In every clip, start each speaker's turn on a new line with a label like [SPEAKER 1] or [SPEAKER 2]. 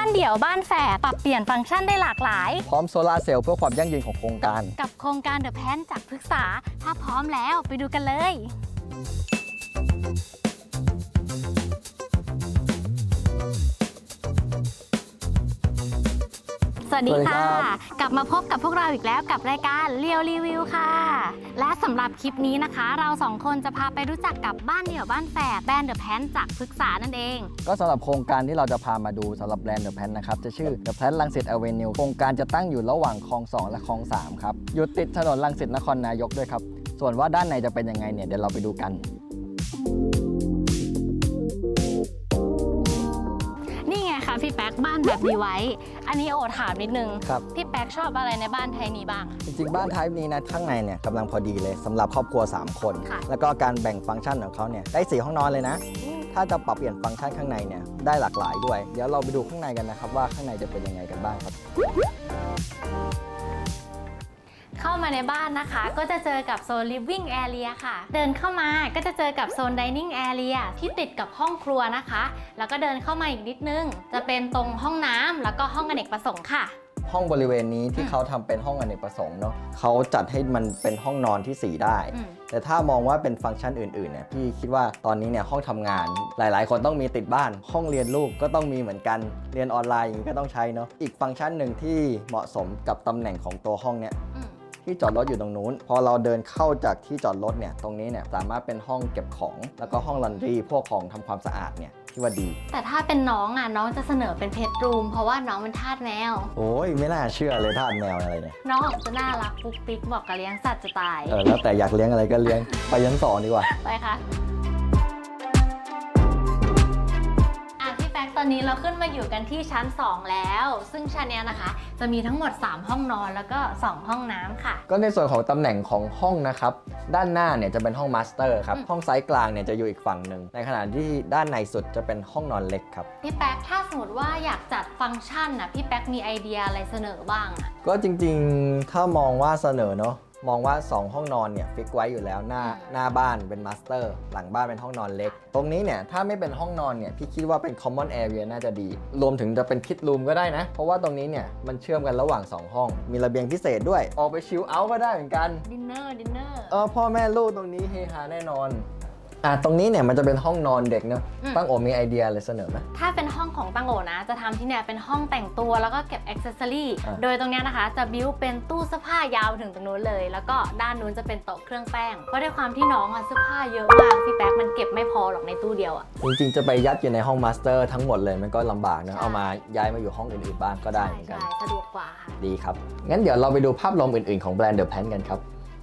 [SPEAKER 1] านเดี่ยวบ้านแฝดปรับเปลี่ยนฟังก์ชันได้หลากหลาย
[SPEAKER 2] พร้อมโซลาร์เซลล์เพื่อความยั่งยืนของโครงการ
[SPEAKER 1] กับโครงการเดอะแพนจากพฤกษาถ้าพร้อมแล้วไปดูกันเลยสวัสดีค่ะกลับมาพบกับพวกเราอีกแล้วกับรายการเรียวรีวิวค่ะและสำหรับคลิปนี้นะคะเราสองคนจะพาไปรู้จักกับบ้านเดี่ยวบ้านแฝดแบรนด์เดอะแพนจากพฤกษานั่นเอง
[SPEAKER 2] ก็สำหรับโครงการที่เราจะพามาดูสำหรับแบรนด์เดอะแพนนะครับจะชื่อเดอะแพนรังสิตอเวนิวโครงการจะตั้งอยู่ระหว่างคลอง2และคลอง3ครับอยู่ติดถนนรังสิตนครนายกด้วยครับส่วนว่าด้านในจะเป็นยังไงเนี่ยเดี๋ยวเราไปดูกัน
[SPEAKER 1] พี่แป๊กบ้านแบบดีไว้อันนี้โอถามนิดนึง
[SPEAKER 2] ครับ
[SPEAKER 1] พี่แป๊กชอบอะไรในบ้านไทยนี้บ้าง
[SPEAKER 2] จริงๆบ้านไทยนี้นะข้างในเนี่ยกำลังพอดีเลยสำหรับครอบครัว3คนแล้วก็การแบ่งฟังก์ชันของเขาเนี่ยได้4ห้องนอนเลยนะถ้าจะปรับเปลี่ยนฟังก์ชันข้างในเนี่ยได้หลากหลายด้วยเดี๋ยวเราไปดูข้างในกันนะครับว่าข้างในจะเป็นยังไงกันบ้างครับ
[SPEAKER 1] เข้ามาในบ้านนะคะก็จะเจอกับโซน living area ค่ะเดินเข้ามาก็จะเจอกับโซน dining area ที่ติดกับห้องครัวนะคะแล้วก็เดินเข้ามาอีกนิดนึงจะเป็นตรงห้องน้ำแล้วก็ห้องอเนกประสงค์ค่ะ
[SPEAKER 2] ห้องบริเวณนี้ที่เขาทำเป็นห้องอเนกประสงค์เนาะเขาจัดให้มันเป็นห้องนอนที่4ได้แต่ถ้ามองว่าเป็นฟังก์ชันอื่นๆเนี่ยพี่คิดว่าตอนนี้เนี่ยห้องทำงานหลายๆคนต้องมีติดบ้านห้องเรียนลูกก็ต้องมีเหมือนกันเรียนออนไลน์อย่างนี้ก็ต้องใช้เนาะอีกฟังก์ชันหนึ่งที่เหมาะสมกับตำแหน่งของตัวห้องเนี่ยที่จอดรถอยู่ตรงนู้นพอเราเดินเข้าจากที่จอดรถเนี่ยตรงนี้เนี่ยสามารถเป็นห้องเก็บของแล้วก็ห้องลอนดรีพวกของทำความสะอาดเนี่ยที่ว่าดี
[SPEAKER 1] แต่ถ้าเป็นน้องน้องจะเสนอเป็นเพจรูมเพราะว่าน้องเป็นทาสแมว
[SPEAKER 2] โอ้ยไม่น่าเชื่อเลยทาสแมวอะไรเนี่ย
[SPEAKER 1] น้องจะน่ารักปุ๊กปิ๊กบอกกับเลี้ยงสัตว์จะตาย
[SPEAKER 2] แล้วแต่อยากเลี้ยงอะไรก็เลี้ยงไปชั้น2ดีกว่า
[SPEAKER 1] ไปค่ะตอนนี้เราขึ้นมาอยู่กันที่ชั้น2แล้วซึ่งชั้นนี้นะคะจะมีทั้งหมด3ห้องนอนแล้วก็2ห้องน้ำค่ะ
[SPEAKER 2] ก็ในส่วนของตำแหน่งของห้องนะครับด้านหน้าเนี่ยจะเป็นห้องมาสเตอร์ครับห้องไซส์กลางเนี่ยจะอยู่อีกฝั่งหนึ่งในขณะที่ด้านในสุดจะเป็นห้องนอนเล็กครับ
[SPEAKER 1] พี่แป๊กถ้าสมมติว่าอยากจัดฟังก์ชันนะพี่แป๊กมีไอเดียอะไรเสนอบ้าง
[SPEAKER 2] ก็จริงๆถ้ามองว่าเสนอเนาะมองว่า2ห้องนอนเนี่ยฟิกไว้อยู่แล้วหน้าบ้านเป็นมาสเตอร์หลังบ้านเป็นห้องนอนเล็กตรงนี้เนี่ยถ้าไม่เป็นห้องนอนเนี่ยพี่คิดว่าเป็น common area น่าจะดีรวมถึงจะเป็น kid room ก็ได้นะเพราะว่าตรงนี้เนี่ยมันเชื่อมกันระหว่าง2ห้องมีระเบียงพิเศษด้วยออกไปชิลเอาท์ก็ได้เหมือนกัน
[SPEAKER 1] ดินเนอร์
[SPEAKER 2] พ่อแม่ลูกตรงนี้เฮฮาแน่นอนตรงนี้เนี่ยมันจะเป็นห้องนอนเด็กเนอะตั้งโอมีไอเดียอะไรเสนอไหม
[SPEAKER 1] ถ้าเป็นห้องของตั้งโอนะจะทำที่เนี่ยเป็นห้องแต่งตัวแล้วก็เก็บอ็อกเซสซอรี่โดยตรงนี้นะคะจะบิ้วเป็นตู้เสื้อผ้ายาวถึงตรงนู้นเลยแล้วก็ด้านนู้นจะเป็นโต๊ะเครื่องแป้งเพราะด้วยความที่น้องเสื้อผ้าเยอะมากพี่แป๊กมันเก็บไม่พอหรอกในตู้เดียว
[SPEAKER 2] จริงๆจะไปยัดอยู่ในห้องมาสเตอร์ทั้งหมดเลยมันก็ลำบากนะเอามาย้ายมาอยู่ห้องอื่นๆบ้างก็ได้เหมือนกัน
[SPEAKER 1] สะดวกกว่า
[SPEAKER 2] ดีครับงั้นเดี๋ยวเราไปดูภาพรวมอื่นๆของแบรนด์เดอะแพนกันครับ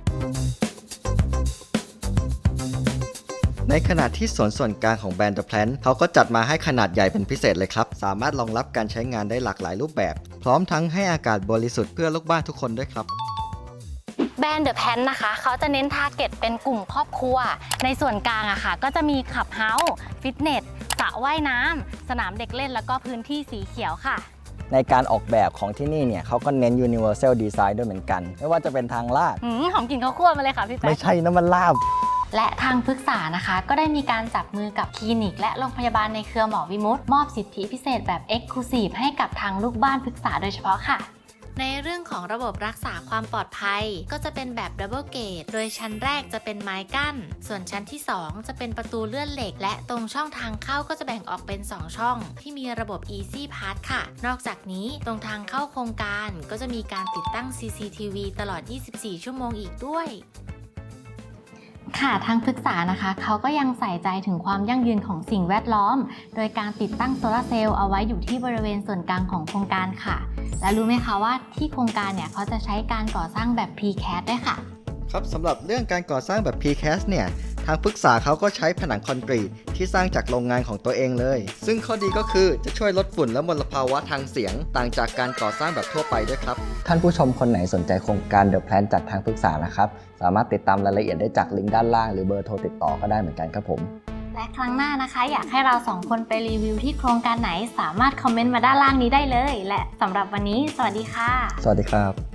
[SPEAKER 2] ในขณะที่ส่วนกลางของแบรนด์ The Plant เขาก็จัดมาให้ขนาดใหญ่เป็นพิเศษเลยครับสามารถรองรับการใช้งานได้หลากหลายรูปแบบพร้อมทั้งให้อากาศบริสุทธิ์เพื่อลูกบ้านทุกคนด้วยครับ
[SPEAKER 1] แบรนด์ The Plant นะคะเขาจะเน้นทาร์เก็ตเป็นกลุ่มครอบครัวในส่วนกลางอะค่ะก็จะมีคลับเฮาส์ฟิตเนสสระว่ายน้ำสนามเด็กเล่นแล้วก็พื้นที่สีเขียวค่ะ
[SPEAKER 2] ในการออกแบบของที่นี่เนี่ยเขาก็เน้น Universal Design ด้วยเหมือนกันไม่ว่าจะเป็นทางลาด
[SPEAKER 1] หอมกลิ่นข้าวคั่วมาเลยค่ะพี่แป๊ก
[SPEAKER 2] ไม่ใช่น้ำมันลาบ
[SPEAKER 1] และทางพฤกษานะคะก็ได้มีการจับมือกับคลินิกและโรงพยาบาลในเครือหมอวิมุตติมอบสิทธิพิเศษแบบ Exclusive ให้กับทางลูกบ้านพฤกษาโดยเฉพาะค่ะในเรื่องของระบบรักษาความปลอดภัยก็จะเป็นแบบดับเบิลเกตโดยชั้นแรกจะเป็นไม้กั้นส่วนชั้นที่2จะเป็นประตูเลื่อนเหล็กและตรงช่องทางเข้าก็จะแบ่งออกเป็น2ช่องที่มีระบบ Easy Pass ค่ะนอกจากนี้ตรงทางเข้าโครงการก็จะมีการติดตั้ง CCTV ตลอด24ชั่วโมงอีกด้วยค่ะทางพฤกษานะคะเขาก็ยังใส่ใจถึงความยั่งยืนของสิ่งแวดล้อมโดยการติดตั้งโซลาร์เซลล์เอาไว้อยู่ที่บริเวณส่วนกลางของโครงการค่ะและรู้ไหมคะว่าที่โครงการเนี่ยเขาจะใช้การก่อสร้างแบบ Precast ด้วยค่ะ
[SPEAKER 2] ครับสำหรับเรื่องการก่อสร้างแบบ Precast เนี่ยทางพฤกษาเขาก็ใช้ผนังคอนกรีตที่สร้างจากโรงงานของตัวเองเลยซึ่งข้อดีก็คือจะช่วยลดฝุ่นและมลภาวะทางเสียงต่างจากการก่อสร้างแบบทั่วไปด้วยครับท่านผู้ชมคนไหนสนใจโครงการ The Plan จากทางพฤกษานะครับสามารถติดตามรายละเอียดได้จากลิงก์ด้านล่างหรือเบอร์โทรติดต่อก็ได้เหมือนกันครับผม
[SPEAKER 1] และครั้งหน้านะคะอยากให้เรา2คนไปรีวิวที่โครงการไหนสามารถคอมเมนต์มาด้านล่างนี้ได้เลยและสำหรับวันนี้สวัสดีค่ะ
[SPEAKER 2] สวัสดีครับ